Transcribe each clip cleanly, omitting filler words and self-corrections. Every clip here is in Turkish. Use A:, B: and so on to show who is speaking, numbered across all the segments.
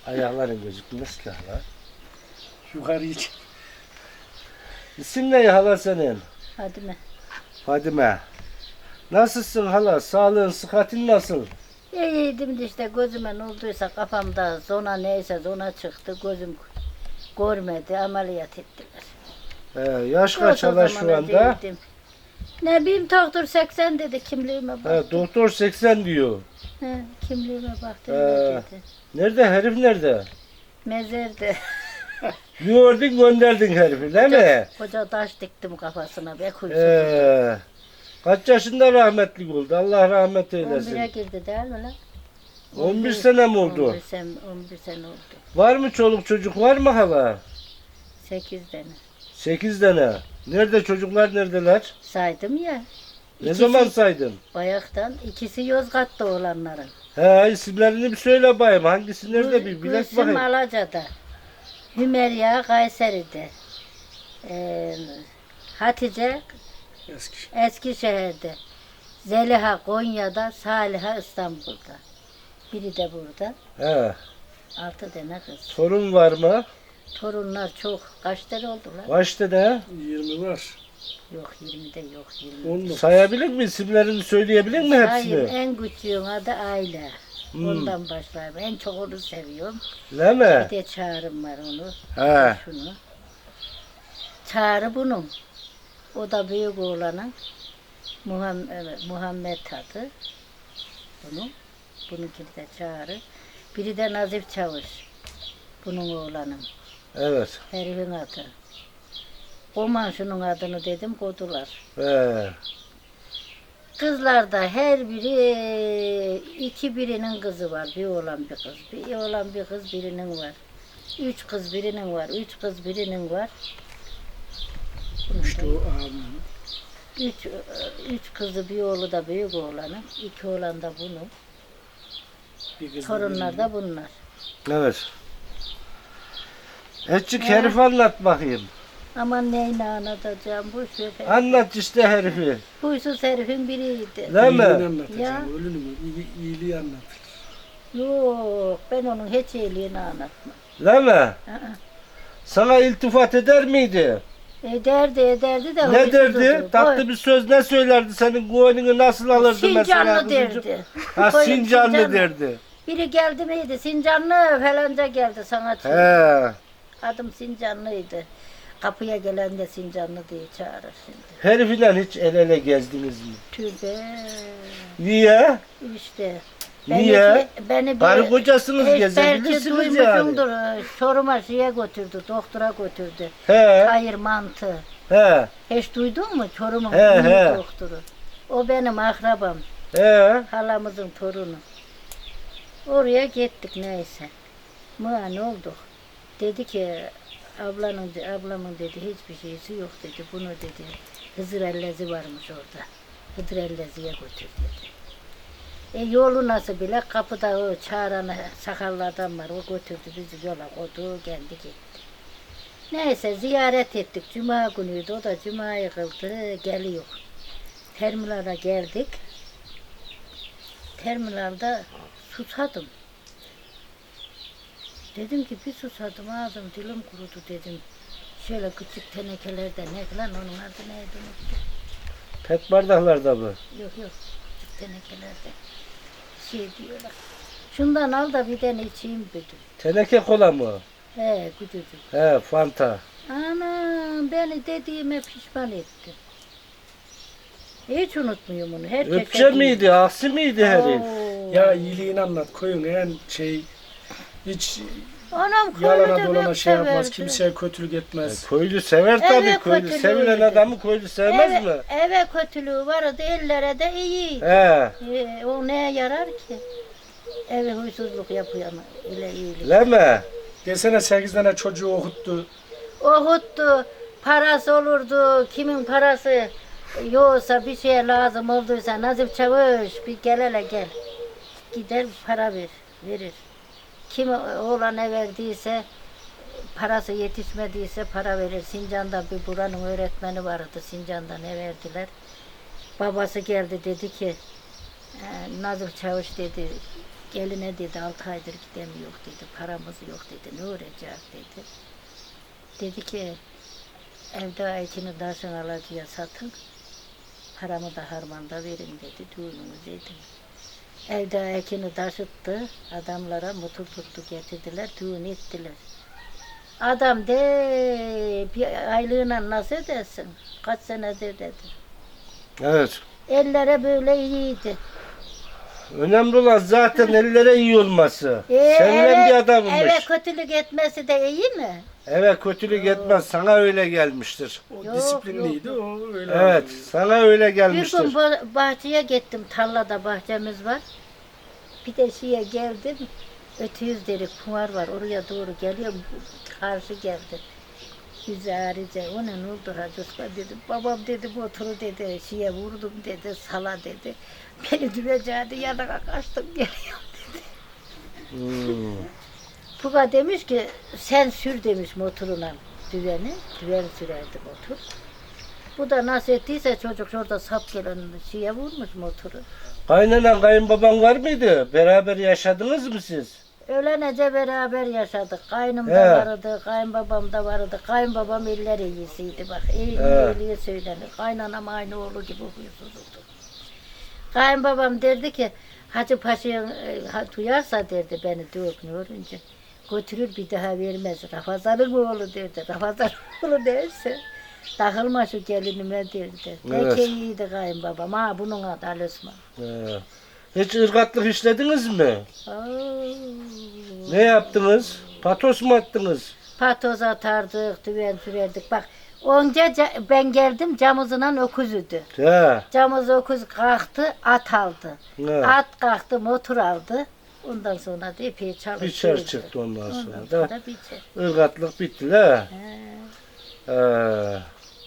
A: Ayakların gözükmez ki hala.
B: Yukarı iç.
A: İsim ne hala senin?
C: Hadi mi?
A: Fadime. Nasılsın hala? Sağlığın, sıhhatin nasıl?
C: İyiydim de işte gözüme ne olduysa kafamda zona neyse zona çıktı. Gözüm görmedi, ameliyat ettiler.
A: Yaş kaç
C: Yok, o
A: hala
C: zaman
A: şu anda?
C: öyleydim. Ne bileyim doktor 80 dedi kimliğime baktı.
A: Doktor 80 diyor.
C: He, kimliğime baktı
A: Ee,
C: öyle dedi.
A: Nerede? Herif nerede?
C: Mezerdi.
A: Gördün gönderdin herifi değil mi?
C: Koca taş diktim kafasına be huysuz.
A: Kaç yaşında rahmetli oldu? Allah rahmet eylesin.
C: 11'e girdi değil mi lan?
A: 11 sene mi oldu?
C: 11 sene oldu.
A: Var mı çoluk çocuk var mı hala?
C: 8 tane.
A: 8 tane. Nerede çocuklar neredeler?
C: Saydım ya.
A: Ne zaman saydın?
C: Bayaktan ikisi Yozgat'ta olanların.
A: He isimlerini bir söyle bayım. Hangisi nerede bir bilek
C: Gülsüm
A: bakayım.
C: Alaca'da. Hümeyra Kayseri'de. Hatice
B: Eski.
C: Eskişehir'de. Zeliha Konya'da. Saliha İstanbul'da. Biri de burada.
A: He.
C: 6 tane kız.
A: Sorun var mı?
C: Torunlar çok. Kaç tane oldular?
A: Kaç tane?
B: 20 var.
C: Yok 20'de yok 20.
B: 19.
A: Sayabilir mi? İsimlerini söyleyebilir mi
C: Hayır,
A: hepsini?
C: en küçüğün adı Ayla.
A: Hmm.
C: Ondan başlayayım. En çok onu seviyorum.
A: Değil mi?
C: Bir de Çağrı'm var onu.
A: He.
C: Şunu. Çağrı bunun. O da büyük oğlanın. Muhammed adı. Bunun. Bununki de Çağrı. Biri de Nazif Çavuş. Bunun oğlanın.
A: Evet.
C: Herifin adı. Koman şunun adını dedim kodular.
A: He.
C: Kızlar da her biri birinin kızı var. Bir oğlan bir kız. Bir oğlan bir kız birinin var. 3 kız birinin var. 3 kız birinin var.
B: İşte o abim.
C: Üç kızı bir oğlu da büyük oğlanın. 2 oğlan da bunun.
B: Bir kız
C: Torunlar da bunlar.
A: Evet. Etçik herif anlat bakayım.
C: Aman neyini anlatacağım bu şöyle.
A: Anlat işte herifi.
C: Huysuz herifin biriydi.
A: Değil
B: İyiliğini
A: mi?
B: anlatacağım.
C: Ya.
B: Ölünü mü? İyiliği anlatır.
C: Yok ben onun hiç iyiliğini anlatmam.
A: Değil mi?
C: Aa,
A: Sana iltifat eder miydi?
C: ederdi de.
A: Ne
C: huysuz
A: derdi?
C: oldu.
A: Tatlı bir söz ne söylerdi? Senin gönlünü nasıl alırdı mesela?
C: Sincanlı
A: kızıcık?
C: derdi.
A: Ha
C: Koyun
A: Sincanlı derdi.
C: Biri geldi miydi? Sincanlı falanca geldi sanatçı.
A: He.
C: Adım Sincanlıydı. Kapıya gelen de Sincanlı diye çağırır şimdi.
A: Herifinden hiç el ele gezdiniz mi?
C: Tübe.
A: Niye?
C: İşte.
A: Niye?
C: Beni
A: Karı kocasınız
C: belki
A: gezebilirsiniz yani.
C: duymuşsundur. Çorum'a şeye götürdü, doktora götürdü.
A: He.
C: Hayır mantı.
A: He.
C: Hiç duydun mu Çorum'un
A: He,
C: ünlü
A: he.
C: doktoru? O benim akrabam,
A: He.
C: halamızın torunu. Oraya gittik neyse. Ne olduk? Dedi ki ablamın dedi hiçbir şeysi yok dedi. Bunu dedi Hızır Ellezi varmış orada. Hızır Ellezi'ye götür dedi. Yolu nasıl bile kapıda o çağıran sakallı adam var. O götürdü bizi yola koydu kendi gitti. Neyse ziyaret ettik. Cuma günüydü. O da cumayı kıldı. Geliyor. Terminala geldik. Terminalda susadım. Dedim ki bir susadım ağzım dilim kurudu dedim. Şöyle küçük tenekelerde ne lan onun adı neydi unuttum.
A: Pet bardaklarda mı?
C: Yok küçük tenekelerde şey diyorlar. Şundan al da bir tane içeyim dedim.
A: Teneke kola mı?
C: He küçücük.
A: He Fanta.
C: Anam beni dediğime pişman etti. Hiç unutmuyorum onu. Herkese
A: Öpçe
C: diyor.
A: miydi? Aksi miydi herif?
C: Oo.
B: Ya iyiliğini anlat. Koyun en şey hiç
C: Anam
B: yalana
C: köylüde
B: dolana
C: pek
B: şey yapmaz.
C: severdi.
B: Kimseye kötülük etmez.
A: Köylü sever tabii.
C: Evet,
A: Köylü
C: kötülüğü
A: sevilen
C: idi.
A: adamı köylü sevmez mi?
C: Eve kötülüğü vardı, ellere de iyiydi.
A: He.
C: O neye yarar ki? Eve huysuzluk yapıyor ama ile iyilik.
A: Değil mi?
B: Desene 8 tane çocuğu okuttu.
C: Okuttu, parası olurdu, kimin parası yoksa bir şeye lazım olduysa Nazif Çavuş bir gel hele gel. Gider para verir. Kim oğlana verdiyse parası yetişmediyse para verir. Sincan'da bir buranın öğretmeni vardı. Sincan'da ne verdiler? Babası geldi dedi ki Nazif Çavuş dedi Geline dedi 6 aydır gidemiyor dedi. Paramız yok dedi. Ne olacak dedi. Dedi ki evde ekini taşın alıcıya satın. Paramı da harmanda verin dedi. Düğünümüz edin. Evde ekini taşıttı. Adamlara motor tuttu getirdiler. Düğün ettiler. Adam de bir aylığına nasıl edersin? Kaç senedir dedi.
A: Evet.
C: Ellere böyle iyiydi.
A: Önemli olan zaten ellere iyi olması. Sevilen
C: eve,
A: bir adammış.
C: eve kötülük etmesi de iyi mi?
A: Eve kötülük etmez. Sana öyle gelmiştir.
B: O
C: Yok,
B: disiplinliydi,
C: yok.
B: o öyle.
A: Evet. Sana öyle
C: Bir
A: gelmiştir.
C: gün bahçeye gittim. Tarlada bahçemiz var. Bir de şeye geldim. Ötüyüz dedik. Kumar var. Oraya doğru geliyorum. Karşı geldi. Yüzü ağrıca. O ne oldu Hacı Osman dedim. Babam dedi motoru dedi. Şeye vurdum dedi. Sala dedi. Beni düveceğdi. Yanına kaçtım geliyorum dedi.
A: Hmm.
C: Puga demiş ki sen sür demiş motoruna düveni. Düven sürerdi motor. Bu da nasıl ettiyse çocuk şurada sap gelen şeye vurmuş motoru.
A: Kaynanan kayınbaban var mıydı? Beraber yaşadınız mı siz?
C: Öğlenece beraber yaşadık. Kaynım
A: He.
C: da vardı, kayınbabam da vardı. Kayınbabam eller iyisiydi bak. İyi söylenir. Kaynanam aynı oğlu gibi huysuzdu. Kayınbabam derdi ki Hacı Paşa'ya duyarsa derdi beni dövmüyorunca. Götürür bir daha vermez. Rafazan'ın oğlu derdi. Rafazan'ın oğlu derse takılma şu gelinime derdi.
A: Evet.
C: Peki iyiydi kayınbabam. Ha bunun adı Ali Osman.
A: Hiç ırgatlık işlediniz mi?
C: Oo.
A: Ne yaptınız? Patos mu attınız?
C: Patoz atardık, düven sürerdik. Bak onca ben geldim camızla öküzüdü.
A: He.
C: Camız öküz kalktı, at aldı.
A: He.
C: At kalktı, motor aldı. Ondan sonra da epey çalıştı.
A: Biçer çıktı ondan sonra da.
C: sonra biçer.
A: Irgatlık bitti la.
C: He,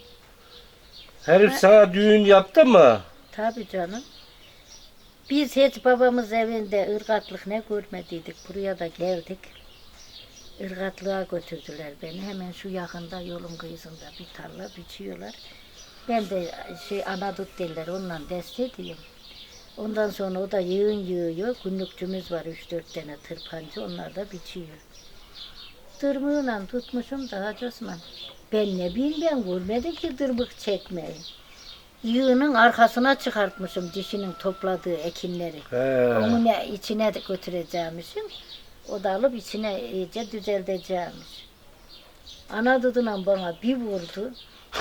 A: Herif sana düğün yaptı mı?
C: tabii canım. Biz hiç babamız evinde ırgatlık ne görmediydik. Buraya da geldik. Irgatlığa götürdüler beni. Hemen şu yakında yolun kıyısında bir tarla biçiyorlar. Ben de anadut derler onunla dest ediyorum. Ondan sonra o da yığın yığıyor. Günlükçümüz var 3-4 tane tırpancı. Onlar da biçiyor. Dırmığıyla tutmuşum da Hacı Osman. Ben ne bileyim ben görmedim ki dırmık çekmeyi. Yığının arkasına çıkartmışım dişinin topladığı ekinleri.
A: He.
C: Onu içine de götüreceğimişim. O da alıp içine iyice düzelteceğimiş. Ana duduyla bana bir vurdu.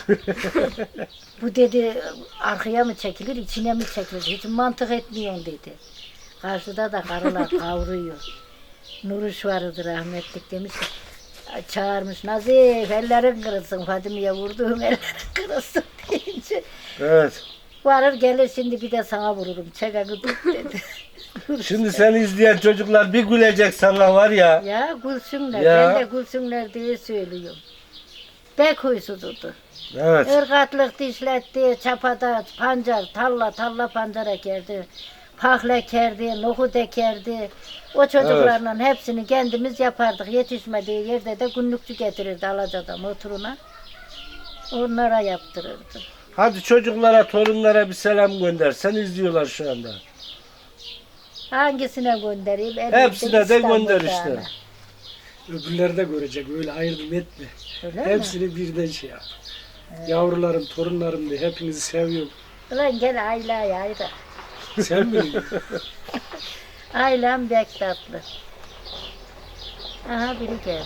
C: Bu dedi arkaya mı çekilir, içine mi çekilir? Hiç mantık etmiyorsun dedi. Karşıda da karılar kavuruyor. Nuruş vardı rahmetlik demiş ki, çağırmış Nazif ellerin kırılsın Fadime'ye vurduğum ellerin kırılsın deyince.
A: Evet.
C: Varır gelir şimdi bir de sana vururum. Çekeni tut dedi.
A: Şimdi seni izleyen çocuklar bir gülecek sana var ya.
C: Ya gülsünler.
A: Ya.
C: Ben de gülsünler diye söylüyorum. Bek huysuzudu.
A: Evet.
C: Irgatlık dişletti, çapada pancar, talla pancar ekerdi. Pahle ekerdi, nohut ekerdi. O çocuklarla hepsini kendimiz yapardık. Yetişmediği yerde de günlükçü getirirdi Alaca'da motoruna. Onlara yaptırırdı.
A: Hadi çocuklara, torunlara bir selam gönder. Sen izliyorlar şu anda.
C: Hangisine göndereyim?
A: Hepsine de gönder işte.
C: İstanbul'da.
B: Öbürleri de görecek, öyle ayırdım etme.
C: Öyle mi?
B: Hepsini birden şey yap. Yavrularım, torunlarım diye hepinizi seviyorum.
C: Ulan gel Ayla'ya ayra.
B: Sevmiyor musun?
C: Aylan bek tatlı. Aha biri geldi.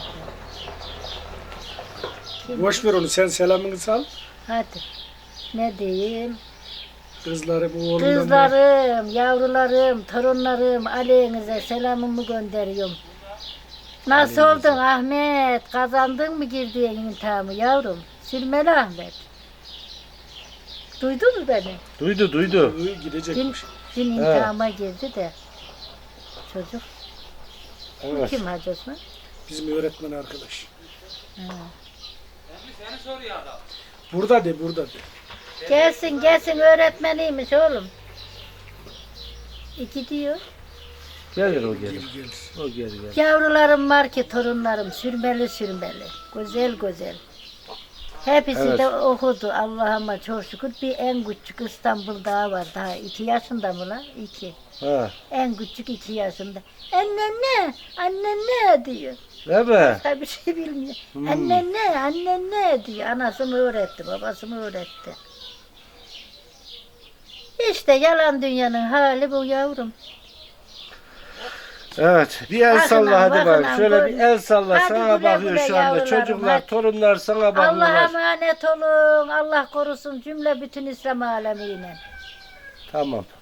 C: Kim?
B: Boş ver onu, sen selamını sal.
C: Hadi. Ne diyeyim?
B: Kızlarım, oğlumdan.
C: Kızlarım, yavrularım, torunlarım, aleyhinize selamımı gönderiyorum. Nasıl oldun Ahmet? Kazandın mı girdiğin imtihanı yavrum? Sürmeli Ahmet. Duydun mu beni?
A: Duydu.
B: Gidecekmiş.
C: Dün imtihana girdi de. Çocuk. Bu
A: Evet.
C: kim Hacı Osman?
B: Bizim öğretmen arkadaş.
C: Ha.
B: Burada de.
C: Gelsin öğretmeniymiş oğlum. Gidiyor.
A: Gelir o gelir.
B: Gelir.
A: O gelir.
C: Yavrularım var ki torunlarım sürmeli. Güzel. Hepsi
A: Evet.
C: de okudu Allah'ıma çok şükür. Bir en küçük İstanbul'da var daha 2 yaşında mı lan? 2.
A: Ha.
C: En küçük 2 yaşında. Anne ne diyor.
A: Değil mi?
C: Başka bir şey bilmiyor. Anne ne diyor. Anası mı öğretti, babası mı öğretti. İşte yalan dünyanın hali bu yavrum.
A: Evet. Bir el
C: Bakın
A: salla
C: lan,
A: hadi
C: bakın
A: bak.
C: lan,
A: Şöyle bir
C: böyle.
A: el salla.
C: Hadi
A: Sana
C: güle
A: bakıyor
C: güle
A: şu anda.
C: yavrularım,
A: Çocuklar,
C: hadi.
A: torunlar sana
C: Allah'a
A: bakıyorlar.
C: emanet olun. Allah korusun cümle bütün İslam alemine.
A: Tamam.